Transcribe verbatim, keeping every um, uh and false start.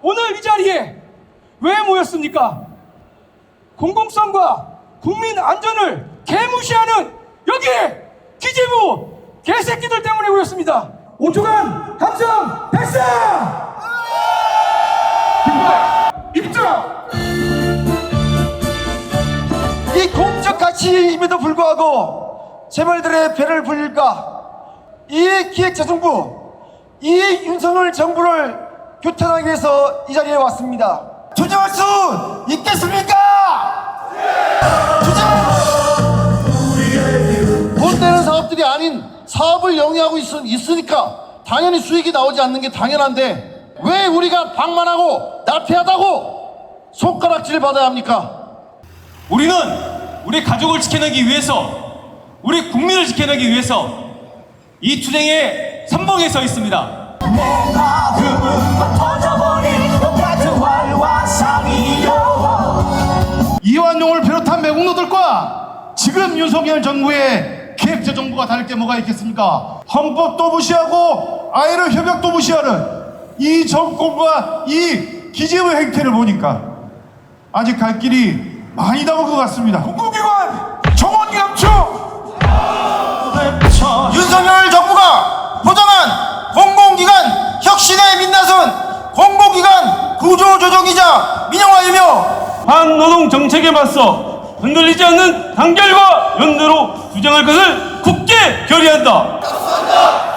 오늘 이 자리에 왜 모였습니까? 공공성과 국민 안전을 개무시하는 여기 기재부 개새끼들 때문에 모였습니다. 오 초간 함성 발사! 입장! 이 공적 가치임에도 불구하고 재벌들의 배를 불릴까? 이 기획재정부, 이 윤석열 정부를 규탄하기 위해서 이 자리에 왔습니다. 투쟁할 수 있겠습니까? 투쟁! 돈 되는 사업들이 아닌 사업을 영위하고 있, 있으니까 당연히 수익이 나오지 않는 게 당연한데 왜 우리가 방만하고 나태하다고 손가락질을 받아야 합니까? 우리는 우리 가족을 지켜내기 위해서, 우리 국민을 지켜내기 위해서 이 투쟁에 선봉에 서 있습니다. 이완용을 비롯한 매국노들과 지금 윤석열 정부의 기획재정부가 다를 게 뭐가 있겠습니까? 헌법도 무시하고 아이를 협약도 무시하는 이 정권과 이 기재부 행태를 보니까 아직 갈 길이 많이 남은 것 같습니다. 공공기관 정원 감축! 윤석열 정부가 보장한 공공기관 혁신에 민나선 공공기관 구조조정이자 민영화이며 반노동 정책에 맞서 흔들리지 않는 단결과 연대로 투쟁할 것을 굳게 결의한다.